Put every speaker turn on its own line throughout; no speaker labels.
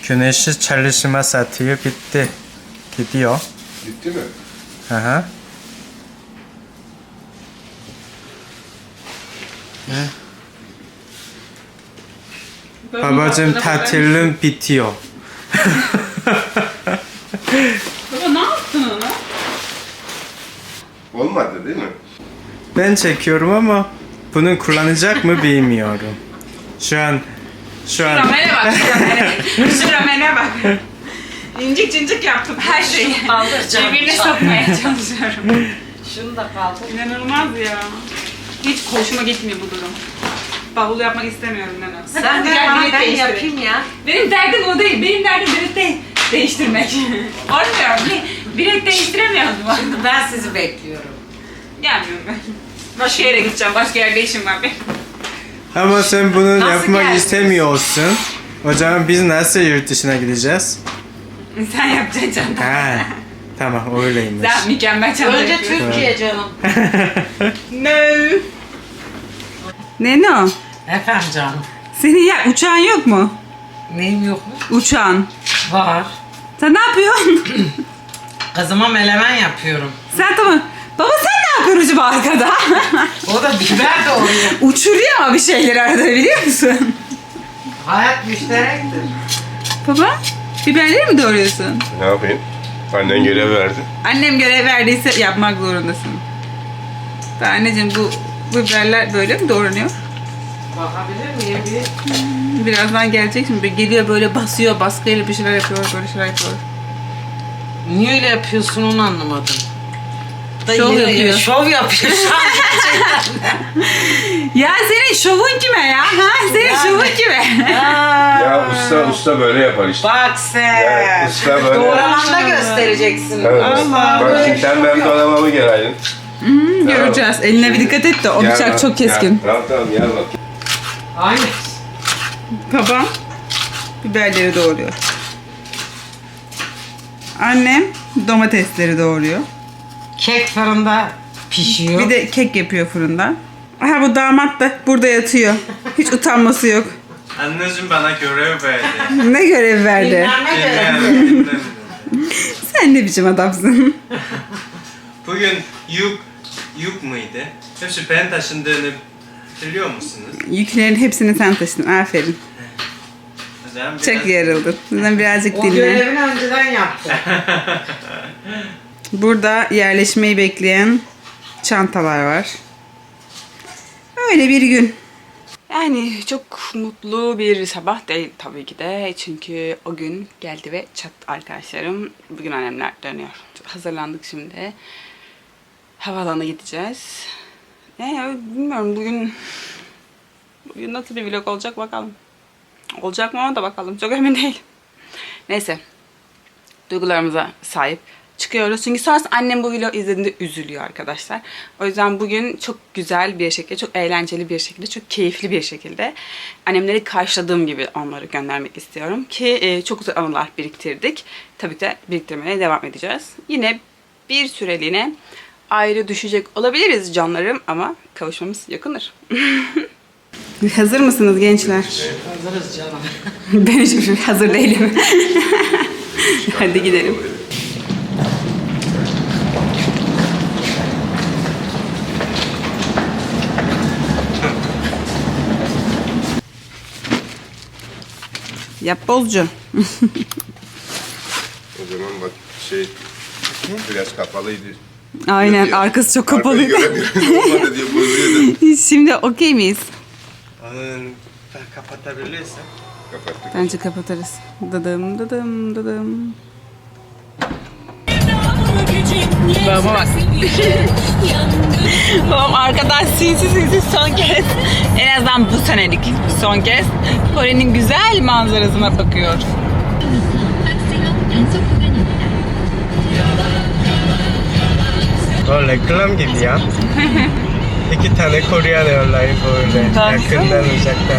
Güneşi çalışma saati bitti. Gidiyor.
Gitti mi?
Aha. Babacığım tatilim bitiyor.
Baba ne yaptın ona?
Olmadı değil mi?
Ben çekiyorum ama bunu kullanacak mı bilmiyorum. Şu an
Ramene bak, Ramene. Şu Ramene bak. İncik cincik yaptım her şeyi. Cebine sokmaya çalışıyorum.
Şunu da kaldır.
İnanılmaz ya. Hiç hoşuma gitmiyor bu durum. Bavul yapmak istemiyorum Nana.
Sen de bana ben yapayım ya.
Benim derdim o değil. Benim derdim bilet değiştirmek. Olmuyor. Bilet değiştiremiyordum.
Şimdi ben sizi bekliyorum.
Gelmiyorum ben. Başka yere gideceğim. Başka yerde işim var benim.
ama sen bunu
Nasıl
yapmak
geldiniz?
istemiyorsun. O zaman biz nasıl yurt dışına gideceğiz?
Sen yapacaksın canım.
Ha, tamam öyleymiş.
Sen mükemmel çanta
Önce
yapıyorsun.
Türkiye canım.
No. Neno,
Efendim canım.
senin ya uçağın yok mu?
Neyim yok mu?
Uçağın.
Var.
Sen ne yapıyorsun?
Kızıma melemen yapıyorum.
Sen tamam. Baba sen ne yapıyorsun acaba arkada?
O da biber doğruyor.
Uçuruyor ama bir şeyleri arada biliyor musun?
Hayat müşterektir.
Baba, biberleri mi doğruyorsun?
Ne yapayım? Annen görev verdi.
Annem görev verdiyse yapmak zorundasın. Ben anneciğim bu biberler böyle mi doğranıyor?
Bakabilir miyim bir?
Birazdan gelecek şimdi. Geliyor böyle basıyor, baskıyla bir şeyler yapıyor, böyle şeyler yapıyor.
Niye öyle yapıyorsun onu anlamadım.
Şov yapıyor.
Şov yapıyor şu an gerçekten.
Ya senin şovun kime ya? Ha? Senin şovun kime?
Ya usta böyle yapar işte.
Bak sen.
Ya, usta böyle.
Doğramanda göstereceksin.
Evet.
Allah.
Bak şimdi sen benim dolabımı gel Aylin.
Göreceğiz. Eline bir dikkat et de o
Gel
bıçak
bak,
çok keskin.
gel. Tamam tamam gel bak.
Aynı.
Babam biberleri doğruyor. Annem domatesleri doğruyor.
Kek fırında pişiyor.
Bir de kek yapıyor fırında. Aha bu damat da burada yatıyor. Hiç utanması yok.
Anneciğim bana görev verdi.
Ne görev verdi?
Dinlenme görevi.
Sen ne biçim adamsın?
Bugün yük mıydı? Hepsi ben taşındığını biliyor musunuz?
Yüklerin hepsini sen taşıdın. Aferin.
O zaman biraz-
Çok yarıldın. Sizden birazcık
O
dinle.
görevini önceden yaptı.
Burada yerleşmeyi bekleyen çantalar var. Öyle bir gün. Yani çok mutlu bir sabah değil tabii ki de. Çünkü o gün geldi ve çattı arkadaşlarım. Bugün annemler dönüyor. Hazırlandık şimdi. Havaalanına gideceğiz. Yani bilmiyorum bugün nasıl bir vlog olacak bakalım. Olacak mı ona da bakalım. Çok emin değilim. Neyse. Duygularımıza sahip çıkıyoruz. Çünkü sonrasında annem bu vlogu izlediğinde üzülüyor arkadaşlar. O yüzden bugün çok güzel bir şekilde, çok eğlenceli bir şekilde, çok keyifli bir şekilde annemleri karşıladığım gibi onları göndermek istiyorum. Ki çok güzel anılar biriktirdik. Tabii ki de biriktirmeye devam edeceğiz. Yine bir süreliğine ayrı düşecek olabiliriz canlarım ama kavuşmamız yakındır. Hazır mısınız gençler?
Hazırız canım.
Ben hiç hazır değilim. Hadi gidelim. Yap bozcu.
O zaman bak biraz kapalıydı.
Aynen
Diyor.
arkası çok
Arkayı
kapalıydı.
göremiyorum. Olmadı diyor bozuyordu.
Şimdi okey miyiz?
Onu kapatabilirsen.
Kapattık.
Bence kapatırız. Dıdım dıdım dıdım. Babama bak. Babam arkadan sinsi son kez. En azından bu senelik son kez. Kore'nin güzel manzarasına bakıyor.
O reklam gibi ya. İki tane Korean Airlines böyle
Baksana.
yakından uzaktan.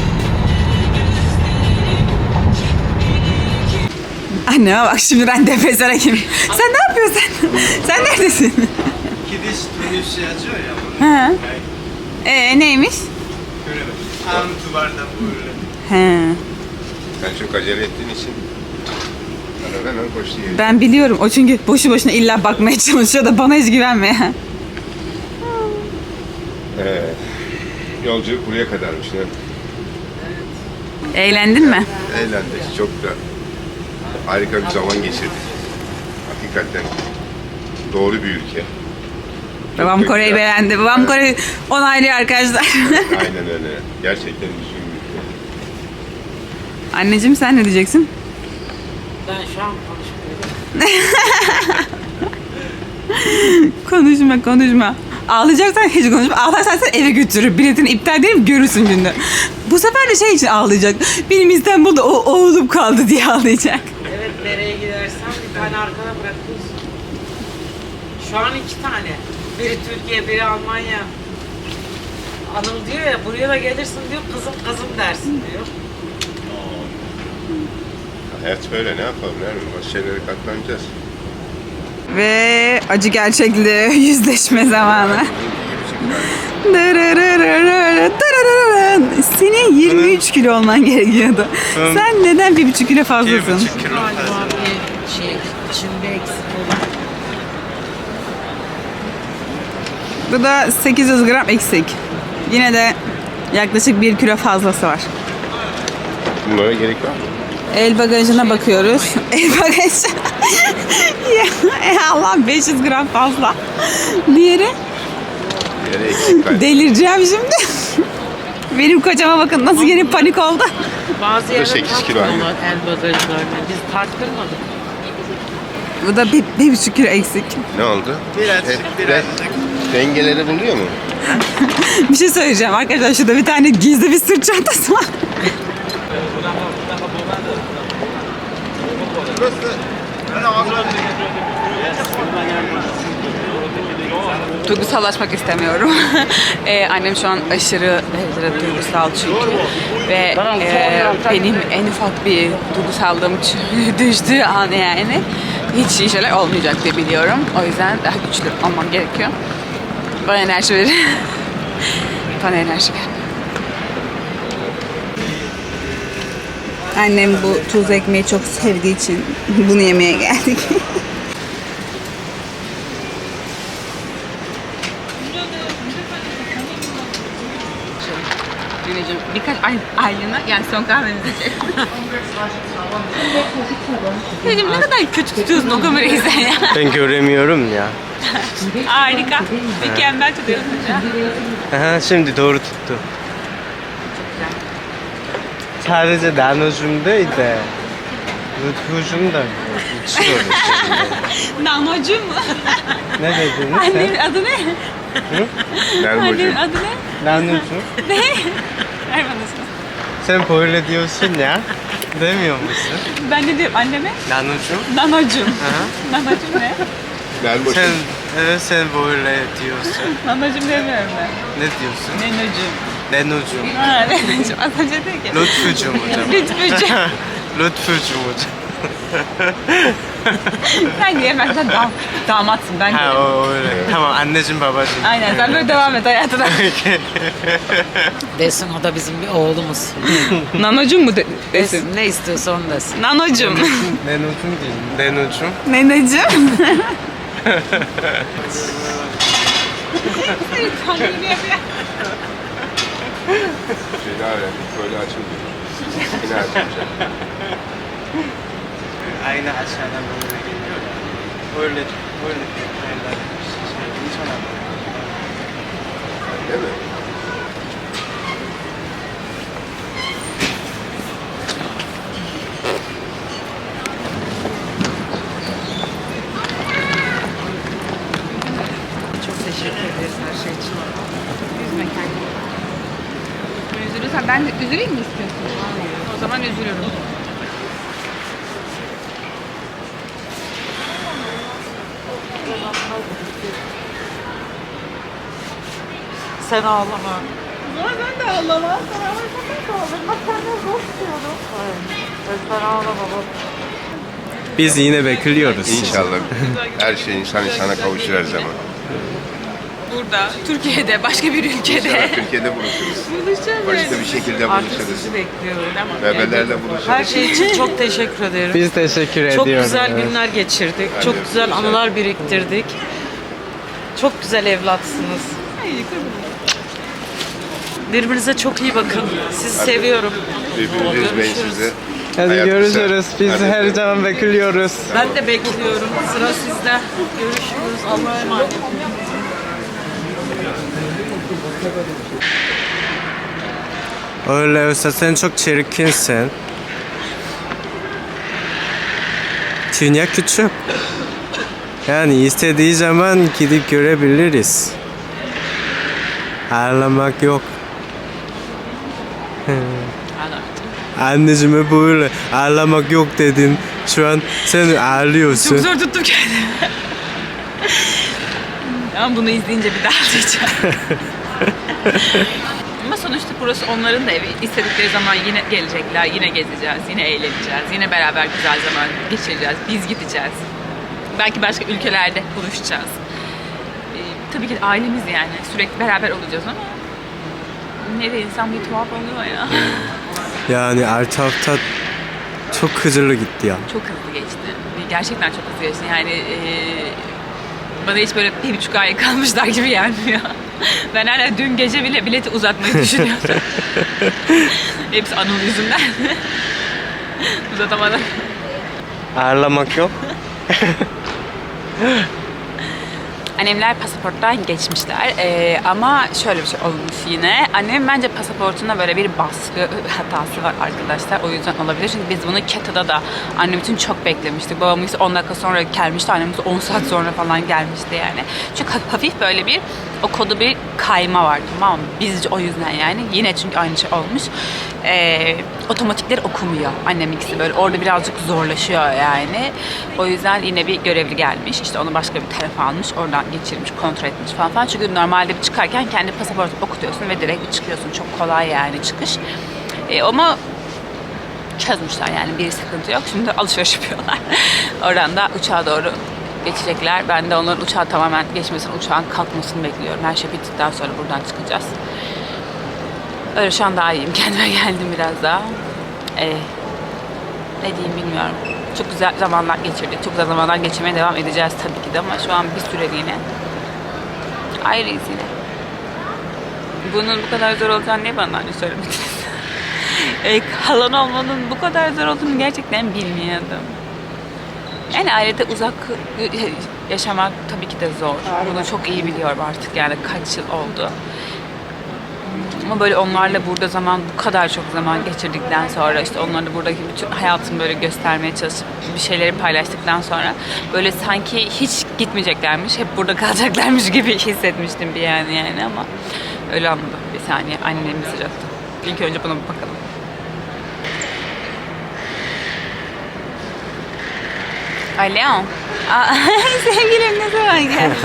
Anneme bak şimdi ben depresyona girdim. Sen ne yapıyorsun? Sen neredesin?
Gidiş dönüş yazıyor ya bunu.
Ha. Neymiş?
Göremedim. Tam duvarda böyle.
He.
Sen çok acele ettiğin için hemen koştu yeri.
Ben biliyorum. O çünkü boşu boşuna illa bakmaya çalışıyor da bana hiç güvenmiyor.
Yolculuk buraya kadarmış. Ne?
Eğlendin mi?
Eğlendik. Çok da harika bir zaman geçirdik. Hakikaten doğru bir ülke.
Babam
Çok
Kore'yi
güzel.
beğendi. Babam
Evet.
Kore'yi onaylıyor arkadaşlar.
Aynen öyle. Gerçekten düzgün bir ülke.
Anneciğim sen ne diyeceksin?
Ben şu an konuşmuyorum.
Konuşma. Ağlayacaksan hiç konuşma. Ağlarsan sen eve götürür. Biletini iptal ederim görürsün günde. Bu sefer de şey için ağlayacak. Benim İstanbul'da oğlum kaldı diye ağlayacak.
Evet, nereye gidersen bir tane arkana bırakıyorsun. Şu an 2 tane. Biri Türkiye, biri Almanya. Anıl diyor ya, buraya da gelirsin diyor, kızım dersin diyor.
Hayat böyle, ne yapalım? Bazı şeylere katlanacağız.
Ve acı gerçekle yüzleşme zamanı. Senin 23 kilo olman gerekiyordu. Sen neden 1,5 kilo fazlasın?
1,5 kilo
Galiba
fazla.
bir şey, içinde eksik olan.
Bu da 800 gram eksik. Yine de yaklaşık 1 kilo fazlası var.
Bunlara gerek var mı?
El bagajına bakıyoruz. El bagajı. Ya Allah 500 gram fazla. Diğeri
Bir yere eksik var.
delireceğim şimdi. Benim kocama bakın nasıl yeni panik oldu.
Bazı
da
yere
8 kilo aynı.
takmıyorlar el bagajlarına. Biz taktırmadık.
Bu da 1,5 kilo eksik.
Ne oldu?
Birazcık.
Dengeleri buluyor mu?
Bir şey söyleyeceğim arkadaşlar. Şurada bir tane gizli bir sırt çantası var. Duygusallaşmak istemiyorum. Annem şu an aşırı derecede duygusal çünkü. Ve benim en ufak bir duygusallığım düştüğü an yani hiç iyi şeyler olmayacak diye biliyorum. O yüzden daha güçlü olmam gerekiyor. Bana enerji verir. Bana enerji ver. Annem bu tuz ekmeği çok sevdiği için bunu yemeye geldik. Güneciğim birkaç aylığına yani son kahvemizi içelim. Dedim ne kadar kötü tutuyorsun o kamerayı sen ya.
Ben göremiyorum ya.
Harika. Mükemmel tutuyorsun ya.
Aha, şimdi doğru tuttu. Sadece Nanocuğum değil de Lütfucuğum da içiyoruz şimdi.
Nanocuğum mu?
Ne dediniz
Annenin
sen?
adı ne?
Nermin
Annenin
hocam.
adı ne?
Nanocuğum.
Ne? Ver bana şunu.
Sen böyle diyorsun ya. Demiyor musun?
Ben ne diyorum anneme?
Nanocuğum.
Nanocuğum.
Aha.
Nanocuğum ne?
Nermin hocam.
Sen, evet sen böyle diyorsun.
Nanocuğum demiyorum ben.
Ne diyorsun?
Nenocuğum.
Nanocuğum.
Ha Nenocuğum. Az önce dedi ki.
Lütfucuğum hocam.
Lütfücüğüm.
Lütfucuğum hocam.
Sen diyemezsen damatsın ben
Ha
derim.
o öyle. Tamam anneciğim babacığım.
Aynen sen böyle devam et hayatına.
Desin, o da bizim bir oğlumuz.
Nanocuğum mu desin?
Desin, ne istiyorsa onu desin.
Nanocuğum.
Nanocuğum değil. Nanocuğum.
Neneciğim. Seni tanrım yapıyor.
Şeyler öğrendik. Böyle açılmıyor. Yine açılacak.
Aynı aşağıdan böyle geliyor ya. Böyle yerler hiç anlamadım.
Değil mi?
Çok teşekkür ederiz her şey için.
Üzme kendini. Üzülürsen ben de üzüleyim mi istiyorsun? O zaman üzülürüm.
Sen ağlama.
Ben de ağlama. Sana ağlamak kaldım. Bak senden zor tutuyorum.
Sen ağlama baba.
Biz yine bekliyoruz.
İnşallah. Her şey insan insana kavuşur her zaman.
Burada, Türkiye'de, başka bir ülkede.
İnşallah Türkiye'de buluşuruz.
Buluşacağız
Başka bir bir şekilde
Artık
buluşuruz.
sizi bekliyorum.
Bebelerle buluşuruz.
Her şey için çok teşekkür ederim.
Biz teşekkür
Çok
ediyoruz.
güzel günler geçirdik. Çok güzel anılar biriktirdik. Çok güzel evlatsınız. Birbirinize çok iyi bakın. Sizi seviyorum.
Birbirinizi üzmeyin sizi.
Hadi
Hayat
görüşürüz.
kısa.
Biz
Hadi
her
öpüyorum.
zaman bekliyoruz.
Ben de bekliyorum. Sıra sizde. Görüşürüz. Allah'a emanet.
Öyle olsa sen çok çirkinsin. Dünya küçük. Yani istediği zaman gidip görebiliriz. Ağlamak yok. Anneciğime böyle ağlamak yok dedin. Şu an sen ağlıyorsun.
Çok zor tuttum kendimi. Ama bunu izleyince bir daha diyeceğim. Ama sonuçta burası onların da evi. İstedikleri zaman yine gelecekler, yine gezeceğiz, yine eğleneceğiz, yine beraber güzel zaman geçireceğiz. Biz gideceğiz. Belki başka ülkelerde buluşacağız. Tabii ki de ailemiz yani. Sürekli beraber olacağız ama ne de insan bir tuhaf oluyor ya.
Yani artı hafta çok hızlı gitti ya.
Çok hızlı geçti. Gerçekten çok hızlı geçti. Yani bana hiç böyle 1,5 ay kalmışlar gibi gelmiyor. Ben hala dün gece bile bileti uzatmayı düşünüyordum. Hepsi Anıl yüzünden. Uzatamadım.
Ağlamak yok.
Annemler pasaporttan geçmişler ama şöyle bir şey olmuş yine. Annem bence pasaportunda böyle bir baskı hatası var arkadaşlar. O yüzden olabilir. Çünkü biz bunu Keta'da da annem için çok beklemiştik. Babam ise 10 dakika sonra gelmişti. Annem ise 10 saat sonra falan gelmişti yani. Çünkü hafif böyle bir o kodu bir kayma var, tamam mı? Bizce o yüzden yani. Yine çünkü aynı şey olmuş. Otomatikleri okumuyor. Annem ikisi böyle orada birazcık zorlaşıyor yani. O yüzden yine bir görevli gelmiş. İşte onu başka bir tarafa almış. Oradan geçirmiş, kontrol etmiş falan. Çünkü normalde bir çıkarken kendi pasaportunu okutuyorsun ve direkt bir çıkıyorsun. Çok kolay yani çıkış. Ama çözmüşler yani, bir sıkıntı yok. Şimdi alışveriş yapıyorlar. Oradan da uçağa doğru geçecekler. Ben de onların uçağı tamamen geçmesini, uçağın kalkmasını bekliyorum. Her şey bittikten sonra buradan çıkacağız. Öyle şu an daha iyiyim. Kendime geldim biraz daha. Ne diyeyim bilmiyorum. Çok güzel zamanlar geçirdik. Çok güzel zamanlar geçirmeye devam edeceğiz tabii ki de ama şu an bir süreliğine ayrıyız yine. Bunun bu kadar zor olacağını niye bana hani söylemediniz? Kalan olmanın bu kadar zor olduğunu gerçekten bilmiyordum. Yani ailede uzak yaşamak tabii ki de zor. Bunu çok iyi biliyorum artık yani kaç yıl oldu. Ama böyle onlarla burada bu kadar çok zaman geçirdikten sonra, işte onlarla buradaki bütün hayatımı böyle göstermeye çalışıp bir şeyleri paylaştıktan sonra böyle sanki hiç gitmeyeceklermiş, hep burada kalacaklarmış gibi hissetmiştim bir yani ama öyle anladım. Bir saniye, annem mesaj attı. İlk önce buna bir bakalım. Alo. Sevgilim ne zaman geldin?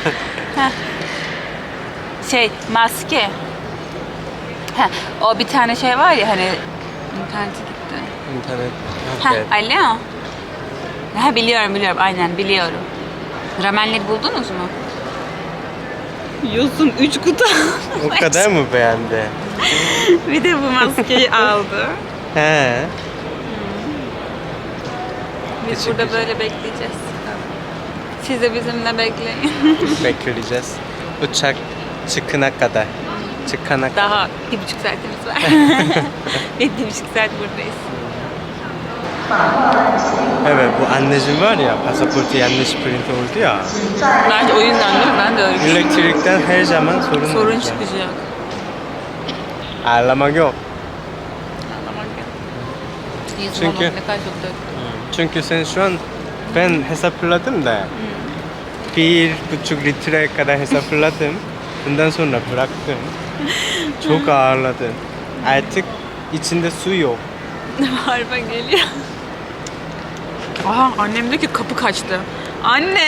Maske. O bir tane şey var ya hani internete gitti.
İnternet.
Alo. Biliyorum aynen biliyorum. Ramenleri buldunuz mu? Yosun 3 kutu.
O kadar mı beğendi?
Bir de bu maskeyi aldı.
He.
Biz burada böyle bekleyeceğiz. Siz de bizimle bekleyin.
Bekleyeceğiz. Uçak çıkana kadar.
Daha 1,5 saatimiz var. 1,5 saat buradayız.
Evet, bu anneciğim var ya, pasaportu yanlış print oldu ya.
Bence o yüzden değil mi? Ben de öyle düşünüyorum.
Elektrikten her zaman sorun
Sorun
olacak.
çıkacak.
Ağlamak yok.
Çünkü
Çünkü-
ne kadar çok döktüm.
Çünkü sen şu an, ben hesapladım da 1,5 litreye kadar hesapladım. Bundan sonra bıraktım. Çok ağırladın. Artık içinde su yok.
Harba geliyor. Aha, annem diyor ki kapı kaçtı. Anne!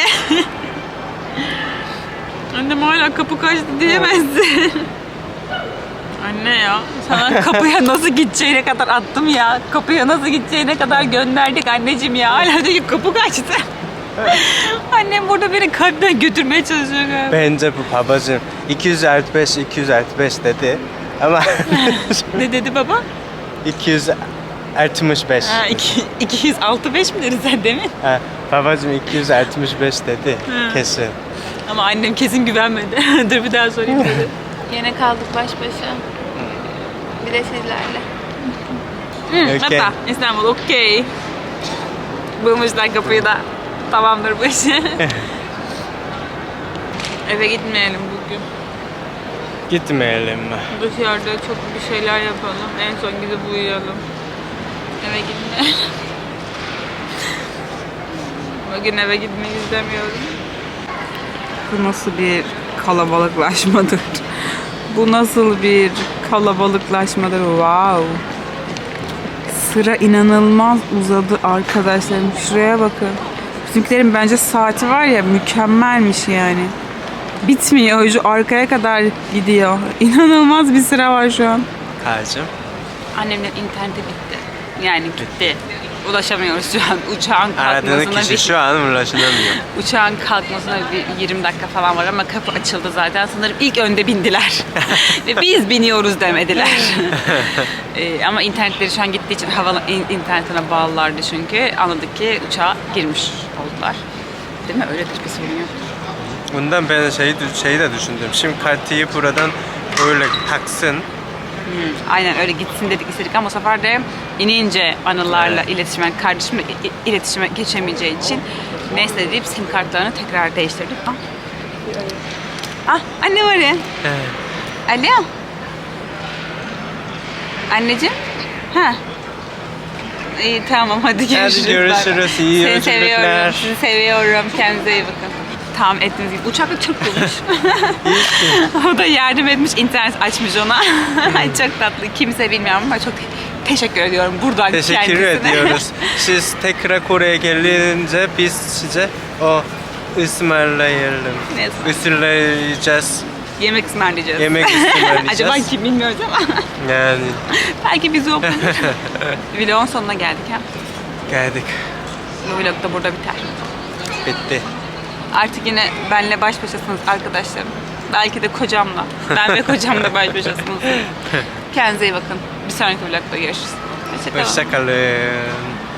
Annem hala kapı kaçtı diyemezsin. Anne ya, sana kapıya nasıl gideceğine kadar attım ya. Kapıya nasıl gideceğine kadar gönderdik anneciğim ya. Hala diyor ki kapı kaçtı. Annem burada beni kalpten götürmeye çalışıyor galiba.
Bence bu babacığım 200 artı 5 dedi. Ama
Ne dedi baba?
265.
Ha, 265 mi dedi sen demin?
Ha, babacığım 265 dedi. Kesin.
Ama annem kesin güvenmedi. Dur bir daha sorayım dedi.
Yine kaldık baş başa. Bir de sizlerle.
Okey.
Hatta İstanbul okey. Bulmuşlar kapıyı da. Tamamdır bu iş. Eve gitmeyelim bugün.
Gitmeyelim mi?
Dışarıda çok bir şeyler yapalım. En son gidip uyuyalım. Eve gitmeyelim. Bugün eve gitmeyi istemiyorum. Bu nasıl bir kalabalıklaşmadır? Bu nasıl bir kalabalıklaşmadır? Wow. Sıra inanılmaz uzadı arkadaşlarım. Şuraya bakın. Bizimkilerin bence saati var ya mükemmelmiş yani. Bitmiyor. Şu arkaya kadar gidiyor. İnanılmaz bir sıra var şu an.
Kacım.
Annemler interneti bitti. Yani gitti. Ulaşamıyoruz şu an. Uçağın
Aradığın
kalkmasına
kişi şu an ulaşılamıyor.
Uçağın kalkmasına bir 20 dakika falan var ama kapı açıldı zaten. Sanırım ilk önde bindiler. Ve biz biniyoruz demediler. Ama internetleri şu an gittiği için hava internetine bağlılardı çünkü. Anladık ki uçağa girmiş oldular. Değil mi? Öyledir, bir sorun yok.
Bundan ben şeyi de düşündüm. Şimdi kartıyı buradan öyle taksın.
Aynen öyle gitsin dedik istedik ama bu sefer de inince anılarla iletişime, kardeşimle iletişime geçemeyeceği için neyse deyip sim kartlarını tekrar değiştirdik. Anne var ya. Alo. Anneciğim. Ha. İyi tamam hadi görüşürüz.
Hadi görüşürüz. İyi
Seni
yolculuklar.
seviyorum. Sizi seviyorum. Kendinize iyi bakın. Tahmin ettiğiniz gibi uçakla Türk bulmuş. O da yardım etmiş, internet açmış ona. Ay çok tatlı. Kimse bilmiyorum ama çok teşekkür ediyorum buradan
Teşekkür
kendisine.
ediyoruz. Siz tekrar Kore'ye gelince biz size o ısmarlayalım.
Ne ısmarlayalım?
Ismarlayacağız.
Yemek ısmarlayacağız.
Yemek ısmarlayacağız.
Acaba kim bilmiyoruz ama.
Yani
Belki bizi okur. Vlogun sonuna geldik ha.
geldik.
Bu vlog da burada biter.
Bitti.
Artık yine benle baş başasınız arkadaşlarım. Belki de kocamla. Ben ve kocamla baş başasınız. Kendinize iyi bakın. Bir sonraki vlogda görüşürüz. Hoşçakalın.
Hoşçakalın.